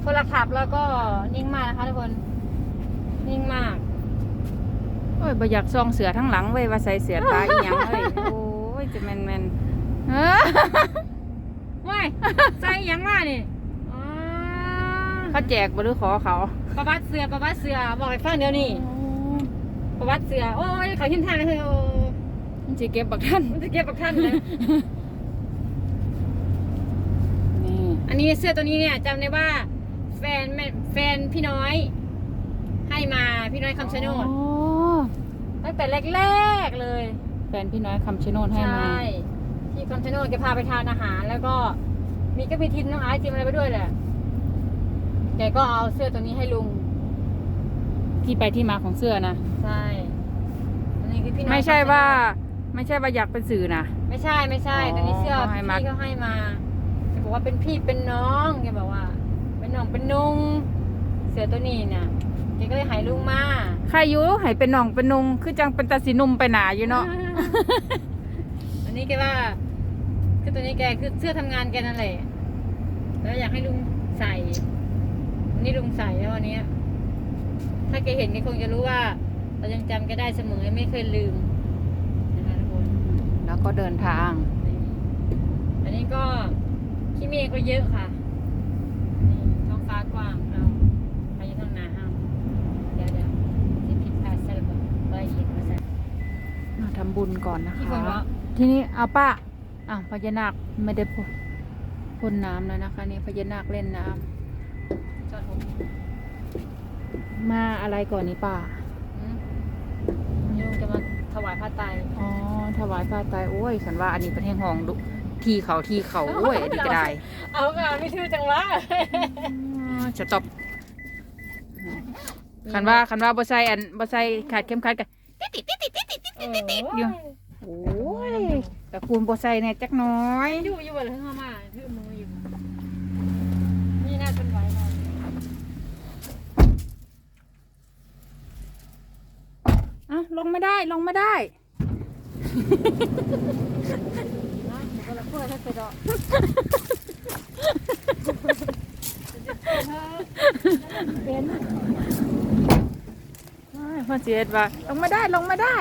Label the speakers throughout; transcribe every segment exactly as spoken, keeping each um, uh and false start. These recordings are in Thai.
Speaker 1: คนละขับแล้วก็นิ่งมากนะคะทุกคนนิ่งมาก
Speaker 2: โอ้ยบ่อยากซองเสือทั้งหลังเว้ยว่าใส่เสือตาอีหยังเว้ยโอ้ยจะแม่นแม่นเออ
Speaker 1: ว้ายใส่หยังมานี่อ๋อ
Speaker 2: เขาแจกบ่หรือขอเขา
Speaker 1: ประวัติเสือประวัติเสือบอกให้ฟังเดี๋ยวนี้ประวัติเสือโอ้ยเขาหินทางเลยโอ้
Speaker 2: มันสิเก็บบักท่าน
Speaker 1: มันจะเก็บกับท่านเลย
Speaker 2: นี่
Speaker 1: อันนี้เสื้อตัวนี้เนี่ยจำได้ว่า แฟนแม่แฟนพี่น้อย ให้มาพี่น้อยคำชะโนด
Speaker 2: อ๋อ
Speaker 1: ตั้งแต่แรกๆเลย
Speaker 2: แฟนพี่น้อยคำชะโนดให้มา
Speaker 1: ใช่ที่คำชะโนดแกพาไปทานอาหาร แล้วก็มีก็มีทินน้องไอซ์ทิมอะไรไปด้วยแหละแกก็เอาเสื้อตัวนี้ให้ลุง
Speaker 2: ที่ไปที่มาของเสื้อนะ
Speaker 1: ใช่อันนี้คือพี่น้อย
Speaker 2: ไม่ใช่
Speaker 1: คำชะโนด
Speaker 2: ว่า ไม่ใช่ว่าอยากเป็นสื่อนะ
Speaker 1: ไม่ใช่ไม่ใช่
Speaker 2: อ๋อ
Speaker 1: ตอนนี้เสื้อ
Speaker 2: เขาให้
Speaker 1: พี่
Speaker 2: มา
Speaker 1: เขาให้มาแกบอกว่าเป็นพี่เป็นน้องแกบอกว่า เป็นน้องเป็นนุงเสื้อตัวนี้เนี่ยแกก็เลยใหายลุงมา
Speaker 2: ใครอยู่ให้เป็นน้องเป็นนุงคือจังเป็นตาสีนุ่มไปหนาอยู่เนาะ
Speaker 1: อันนี้แกว่า คือตัวนี้แกคือเสื้อทำงานแกนั่นแหละแล้วอยากให้ลุงใส่อันนี้ลุงใส่แล้ววันนี้ถ้าแกเห็นแกคงจะรู้ว่า เรายังจำแกได้เสมอไม่เคยลืมนะคะทุกคน
Speaker 2: แล้วก็เดินทาง
Speaker 1: นี่อันนี้ก็ขี้เมฆก็เยอะค่ะนี่ท้องฟ้ากว้างเราพายุทางนาห้ามเดี๋ยวเดี๋ยวที่ผิดพลาดซะแล้วก็ไปอีกมาซะ
Speaker 2: มาทำบุญก่อนนะ
Speaker 1: ที่
Speaker 2: คะ
Speaker 1: คนวะ
Speaker 2: ทีนี้เอาป้าอ่ะพญานาคไม่ได้พ่นพ่นน้ำแล้วนะคะนี่พญานาคเล่นน้ำ
Speaker 1: จอดผม
Speaker 2: มาอะไรก่อนนี่ป้า
Speaker 1: อืมนี่ลุงจะมาถวายผ้าไตร
Speaker 2: อ๋อถวายผ้าไตรโอ้ยสันว่าอันนี้เป็นแห่งห้องดุทีเขาทีเขาโอ้ยอันนี้ก็ได้
Speaker 1: เอางานไม่ชื่อจังวะ
Speaker 2: จะตบคันว่าคันว่าบ่ใส่อันบ่ใส่ขาดเข้มขัดกัน อยู่ โอ้ยแต่คุณบ่ใส่เนี่ยจักหน้อย
Speaker 1: อยู่อยู่บนเรือมาชื่อมืออยู่นี่น่าเป็นไหวเรา
Speaker 2: อ่ะลงไม่ได้ลงไม่ได้
Speaker 1: นะมันก็ละเพื่อถ้าเสร็จอ่ะเป็น
Speaker 2: พ่อเจดว่าลงไม่ได้ลงไม่ได้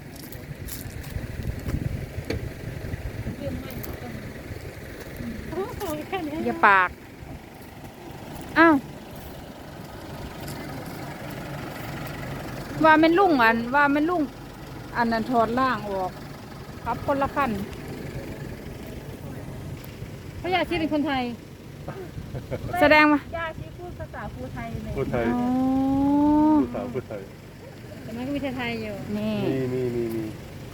Speaker 1: ยืมไม่โอ้โหแค่นี้
Speaker 2: อย่าปากอ้าวว่าแม่นลุงอันว่าแม่นลุงอันนั้นถอดล่างออกครับคนละขั้น
Speaker 1: พระยาชีเป็นคนไทย
Speaker 2: แสดงว่า
Speaker 1: ย่าชีพูดภาษาภูไทยเลย
Speaker 3: พูดไทย
Speaker 2: อ๋อ
Speaker 3: พูดสาวพูดไทย
Speaker 1: แต่มันก็มีไทยๆอยู่
Speaker 2: นี่
Speaker 3: มีมีมีมี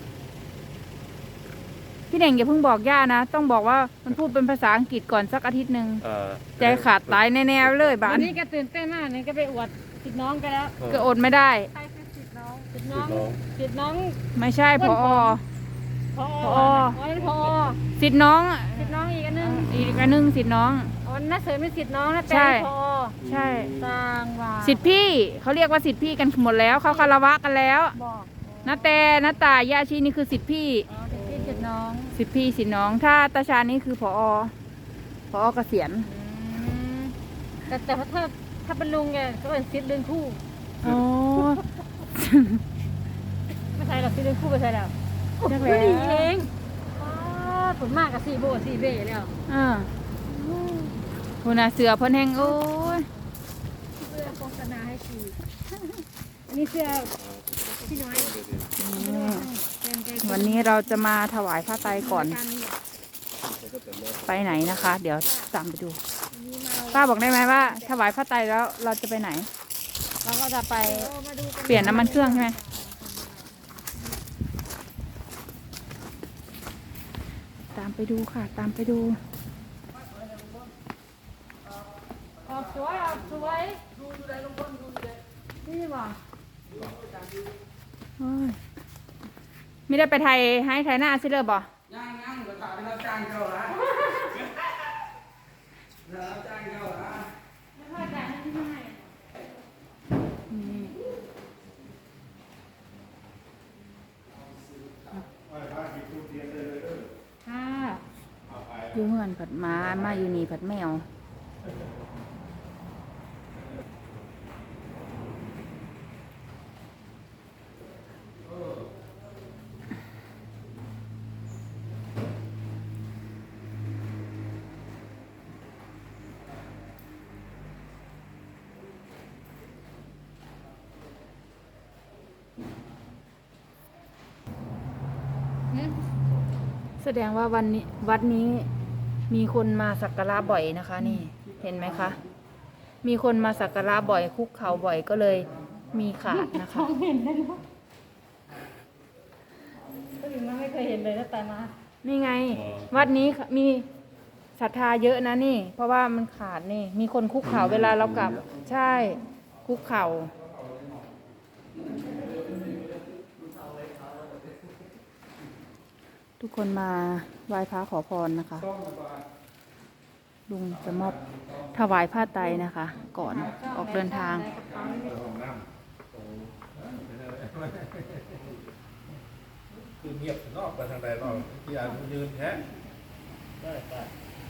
Speaker 2: พี่เด่งอย่าเพิ่งบอกย่านะ ต้องบอกว่ามันพูดเป็นภาษาอังกฤษก่อนสักอาทิตย์หนึ่ง
Speaker 3: อ่า
Speaker 2: ใจขาดตายแน่ๆเลยบ้า
Speaker 1: วัน นนี้แกตื่นเต้นมากเนี่ยแกไปอวดติดน้องแกันแล้ว
Speaker 2: ก็อดไม่ได้
Speaker 1: ใครคือติดน้องติด
Speaker 3: ติ
Speaker 1: น้
Speaker 3: ด
Speaker 1: อง
Speaker 3: น้อง
Speaker 1: ติดน้อง
Speaker 2: ไม่ใช่พอ
Speaker 1: พอ
Speaker 2: ผอ
Speaker 1: อ๋อนั่นพอ
Speaker 2: สิทธิ์น้อง
Speaker 1: ติดน้องอีกอันนึง
Speaker 2: อีกอันหนึงสิทธิ์น้อง
Speaker 1: อ๋อน่าเสริมเป็นสิทธิ์น้องนะแต่
Speaker 2: ใช่
Speaker 1: พอ
Speaker 2: ใช่
Speaker 1: สร้างว่า
Speaker 2: สิทธิ์พี่เขาเรียกว่าสิทธิ์พี่กันหมดแล้วเขาคารวะกันแล้ว
Speaker 1: บอก
Speaker 2: นาแต่นาตายาชีนี่คือสิทธิ์พี่
Speaker 1: อ๋อติดพี่ติดน้อง
Speaker 2: สิทธิ์พี่สิทธิ์น้อง ถ้าตาชานี่คือพอพอเกษียณ
Speaker 1: อืมแต่แต่ถ้าถ้าเป็นลุงแกก็เป็นสิทธิ์เรื่องคู่
Speaker 2: อ๋อ
Speaker 1: ไม่ใช่หรอกสิทธิ์เรื่องคู่ไม่ใช่แล้ว
Speaker 2: นัก
Speaker 1: ผู้
Speaker 2: แล้ว
Speaker 1: หญิงเองอ๋อผลมากกับสี่โบสี่เบ้แล้ว
Speaker 2: อ่าคุณอาเสือเพ่นแห้งโอ้ย
Speaker 1: เสื้อโฆษณาให้ชีอันนี้เสื้อพี่น้อย
Speaker 2: วันนี้เราจะมาถวายผ้าไตรก่อนไปไหนนะคะ เดี๋ยวตามไปดู ป้าบอกได้ไหมว่า ถวายผ้าไตรแล้วเราจะไปไหน
Speaker 1: เราก็จะไป
Speaker 2: เปลี่ยนน้ำมันเครื่องใช่ไหมตามไปดูค่ะ ตามไปดู
Speaker 1: ออกสวยออกสวยนี่บ่
Speaker 2: โอ้ยไม่ได้ไปไทยให้ไทยหน้าซิเลยบ่
Speaker 4: ย่างย่างก็ถามเป็นรับจ้างเจ้าละรับจ้างเจ้าละ
Speaker 1: ไม่ค่อยจ่ายให้ที่ให้
Speaker 2: ค่ะอยู่เฮือนผัดหมามาอยู่นี่ผัดแมวแสดงว่าวันนี้วัดนี้มีคนมาสักการะบ่อยนะคะ นี่เห็นไหมคะ มีคนมาสักการะบ่อยคุกเข่าบ่อยก็เลยมีขาดนะคะ
Speaker 1: เห็นได้หรอก็ถึงมาไม่เคยเห็นเลยตั้งแต่มา
Speaker 2: นี่ไง วัดนี้มีศรัทธาเยอะนะนี่ เพราะว่ามันขาดนี่ มีคนคุกเข่าเวลาเรากลับ ใช่คุกเข่าทุกคนมาไหว้พระขอพรนะคะ ลุงจะมอบถวายผ้าไตรนะคะ ก่อนออกเดินทาง
Speaker 3: คือเงียบนอกไปทางใดนอกที่อ่านยืนแท้ได้ได้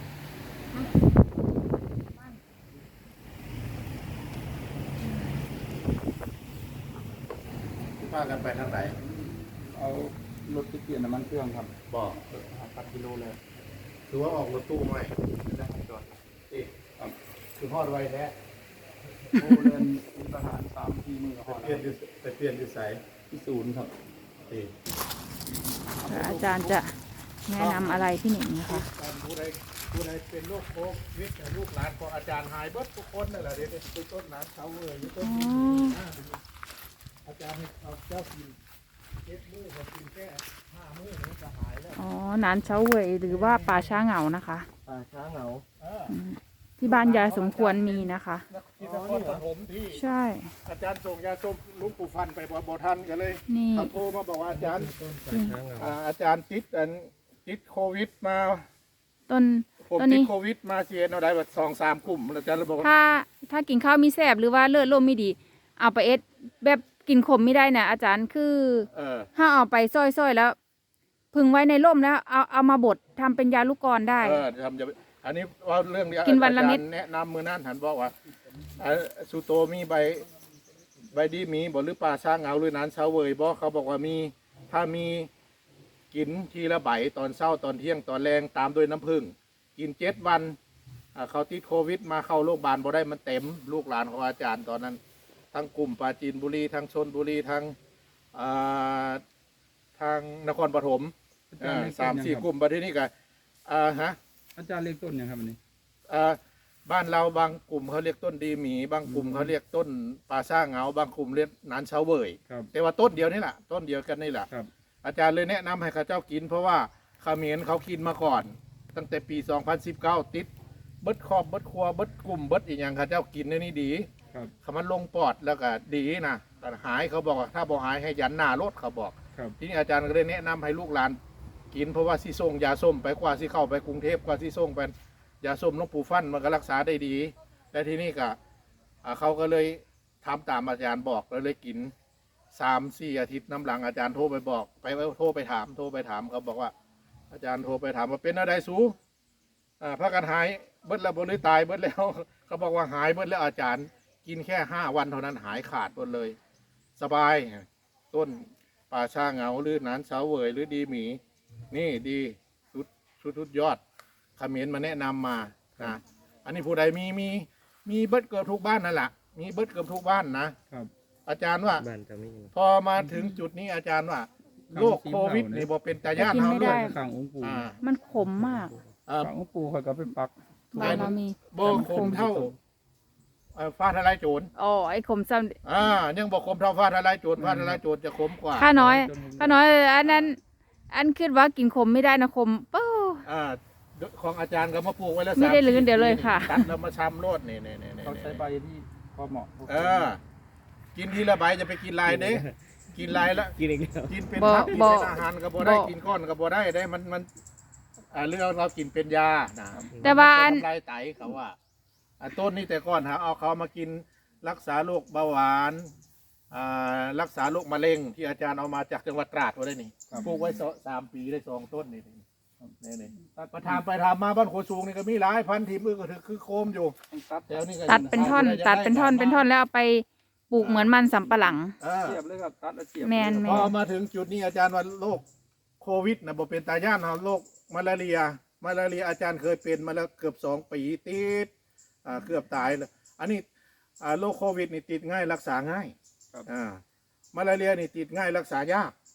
Speaker 3: พากันไปทางไหน
Speaker 4: เอารถไปเปลี่ยนน้ำมันเครื่องครับ
Speaker 3: บอกพันกิโลเลยคือว่าออกรถตู้ใหม่ได้จอดเอ๊ะคือฮอดไว้แท้
Speaker 4: โอ้เดินมีทหารสามทีมือ
Speaker 3: ไป
Speaker 4: หอ
Speaker 3: เปลี่ยนอยู่ไปเปลี่ยนอยู่ไส
Speaker 4: ที่ศูนย์ครับ
Speaker 3: เอ๊ะ
Speaker 2: อาจารย์จะแนะนำอะไรพี่หนิงนะคะ
Speaker 3: ผู้ใดผู้ใดเป็นโรคโควิดลูกหลานของอาจารย์หายเบิดทุกคนนั่นแหละเดี๋ยวไปต้นน้ำเขาเลยอยู่ต้นนี้อาจารย์ให้เอาเจ้ากินเจ็ดมื้อเขากินแค่ห้ามื้อมันจะหายแล้ว
Speaker 2: อ๋อ นานเช้าเวยหรือว่าป่าช้าเหงานะคะ
Speaker 3: ป่าช้าเหงาเออ
Speaker 2: อืมที่บ้านยายสมควรมีนะคะ
Speaker 3: ที่นครปฐมที่
Speaker 2: ใช่
Speaker 3: อาจารย์ส่งยาส้มลุงปู่ฟันไปบ่บ่ทันกันเลย
Speaker 2: นี่
Speaker 3: เขาโทรมาบอกว่าอาจารย์อ่าอาจารย์ติดอันติดโควิดมา
Speaker 2: ต้น
Speaker 3: ผม
Speaker 2: ต้น
Speaker 3: ติด
Speaker 2: นี้
Speaker 3: โควิดมาเสียเอาได้แบบสองสามกลุ่มอาจารย์เลยบอกว่า
Speaker 2: ถ้าถ้ากินข้าวมีแสบหรือว่าเลือดลมไม่ดี เอาไปเอสแบบกินขมไม่ได้นะอาจารย์คือ
Speaker 3: เออ
Speaker 2: ถ้าเอาไปซ้อยๆแล้ว พึงไว้ในร่มแล้วเอาเอามาบดทำเป็นยาลูกกรได้
Speaker 3: เออทำจะอันนี้ว่าเรื่องเดียว
Speaker 2: กินวันละเม็ด
Speaker 3: อาจารย์แนะนำมือนั่นหันบอกว่าอ่าสุโตมีใบใบดีมีบอกหรือปลาช้างเหงาหรือนั้นเช้าเวยบอกเขาบอกว่ามีถ้ามีกินทีละใบตอนเช้าตอนเที่ยงตอนแรงตามด้วยน้ำผึ้งกินเจ็ดวันอ่าเขาติดโควิดมาเข้าโรงพยาบาลบ่ได้มันเต็มลูกหลานของอาจารย์ตอนนั้น ทั้งกลุ่มปราจีนบุรีทั้งชนบุรีทั้งอ่าทางนครปฐม
Speaker 4: อาจารย์เรียก
Speaker 3: สาม
Speaker 4: ต้น
Speaker 3: สี่
Speaker 4: ยัง
Speaker 3: ก
Speaker 4: ครับ
Speaker 3: ลุ่มประเทศนี้กันอ่าฮะ
Speaker 4: อาจารย์เรียกต้นยังครับอันนี้
Speaker 3: อ่าบ้านเราบางกลุ่มเขาเรียกต้นดีหมี บางกลุ่มเขาเรียกต้นปลาซ่าเหงา บางกลุ่มเรียกหนานเฉาเวย
Speaker 4: ครับ
Speaker 3: แต่ว่าต้นเดียวนี่แหละต้นเดียวกันนี่แหละ
Speaker 4: ครับ
Speaker 3: อาจารย์เลยแนะนำให้ข้าเจ้ากิน เพราะว่าเขมรเขากินมาก่อน ตั้งแต่ปี สองพันสิบเก้า ติดเบิดครอบเบิดครัวเบิดกลุ่มเบิดอีกอย่างข้าเจ้ากินในนี่ดี
Speaker 4: ครับ
Speaker 3: คำมันลงปอดแล้วก็ดีนะแต่หายเขาบอกว่าถ้าบ่หายให้ยันหน้ารถเขาบอก
Speaker 4: ครับ
Speaker 3: ทีนี้อาจารย์ก็เลยแนะนำให้ลูกหลานกินเพราะว่าซีส่งยาส้มไปกว่าซีเข้าไปกรุงเทพกว่าซีส่งไปยาส้มหลวงปู่ฟั่นมันก็รักษาได้ดี และทีนี้ก็อ่าเขาก็เลยทำตามอาจารย์บอกแล้วเลยกินสามสี่อาทิตย์น้ำหลังอาจารย์โทรไปบอกไปโทรไปถามโทรไปถามเขาบอกว่า อาจารย์โทรไปถามว่าเป็นอะไรสูอ่าพระกันหายเบิดแล้วบ่หรือตายเบิดแล้ว เขาบอกว่าหายเบิดแล้วอาจารย์กินแค่ห้าวันเท่านั้นหายขาดหมดเลย สบายต้นป่าชาเหงาหรือหนานเสาเวยหรือดีหมี นี่ดีชุดชุดชุดยอดเขมรมาแนะนำมานะอันนี้ผู้ใดมีมีมีเบิดเกือบทุกบ้านนั่นแหละมีเบิดเกือบทุกบ้านนะครับ อาจารย์ว่า
Speaker 5: บ้านจะมี
Speaker 3: พอมาถึงจุดนี้อาจารย์ว่าโรคโควิดนี่บ่เป็นตาย่าน
Speaker 2: กิน
Speaker 3: เฮา
Speaker 2: ไม่
Speaker 3: เล
Speaker 2: ได้
Speaker 3: ย
Speaker 4: ข้างองค์ปู่
Speaker 3: อ่า
Speaker 2: มันขมมาก
Speaker 3: อ่า
Speaker 4: ข้างองค์ปู่เขาก็ไปปัก
Speaker 2: บ้านเรามี
Speaker 3: บ่คมเท่าเอ่อฟ้าทลายโจร
Speaker 2: อ๋อไอ้ขมซ้ำ
Speaker 3: อ่ายังบ่คมเท่าฟ้าทลายโจรฟ้าทลายโจรจะคมกว่า
Speaker 2: ข้าน้อยข้าน้อยอันนั้น อันคิดว่ากินขมไม่ได้นะขมเป้า
Speaker 3: อ่าของอาจารย์ก็มาปลูกไว้แล้ว
Speaker 2: ไม่ได้
Speaker 3: สา
Speaker 2: ลื้อ
Speaker 3: สี่
Speaker 2: เดี๋ยวเลย
Speaker 3: ปี
Speaker 2: ค่ะ
Speaker 3: ตัดแล้วมาชำโลดนี่นี่นี่นี่
Speaker 4: เขาใช้ใบที่พอเหมาะ
Speaker 3: เออ กินทีละใบจะไปกินลายเด้กินลายละ
Speaker 5: กินอีกแล้ว
Speaker 3: กินเป็น
Speaker 2: บ่
Speaker 3: พักกิน
Speaker 2: บ่
Speaker 3: เป็นอาหารก็บ่ได้
Speaker 2: บ่
Speaker 3: กินก้อนก็บ่ได้ได้มันมันอ่าเรื่องเรากินเป็นยานะ
Speaker 2: แต่ว่าอัน
Speaker 3: ทำลายไตเขาว่าอ่าต้นนี้แต่ก่อนหาเอาเขามากินรักษาโรคเบาหวานอ่ารักษาโรคมะเร็งที่อาจารย์เอามาจากจังหวัดตราดไว้ได้นี่ปลูกไว้สองสามปีได้สองต้นนี่นี่นี่มาทำไปทำมาบ้านโคสูงนี่ก็มีหลายพันทีมือก็ถือคือโคมอยู่
Speaker 4: ตัด
Speaker 3: แถวนี้ก็
Speaker 2: ตัดเป็นท่อน ตัดเป็นท่อนเป็นท่อนแล้วเอาไปปลูกเหมือนมันสำปะหลัง
Speaker 3: เออ
Speaker 4: เสียบเลยครับตัดแล้วเสียบ
Speaker 2: แมน
Speaker 3: พอมาถึงจุดนี้อาจารย์ว่าโรคโควิดนะบ่เป็นตาย่านเนาะโรคมาลาเรียมาลาเรียอาจารย์เคยเป็นมาแล้วเกือบสองปีติดอ่าเกือบตายเลยอันนี้อ่าโรคโควิดนี่ติดง่ายรักษาง่ายอ่ามาลาเรียนี่ติดง่ายรักษายาก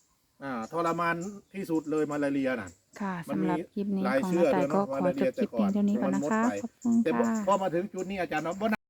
Speaker 3: อ่าทรมานที่สุดเลยมาลาเรียน่ะ
Speaker 2: ค่ะ
Speaker 3: มัน
Speaker 2: สำหรับ
Speaker 3: มี
Speaker 2: คลิปนี้
Speaker 3: หลาย
Speaker 2: ของ
Speaker 3: เชื่
Speaker 2: น้า
Speaker 3: อ
Speaker 2: ต่าย
Speaker 3: ด้วย
Speaker 2: ก็
Speaker 3: เนาะ
Speaker 2: ขอ
Speaker 3: ว่า
Speaker 2: จบคลิปเพียงเท่านี้ก่อนนะคะ
Speaker 3: มันหมดไป
Speaker 2: ขอบคุณ
Speaker 3: แต่
Speaker 2: ค่ะ
Speaker 3: พอมาถึงจุดนี้อาจารย์เนาะบ่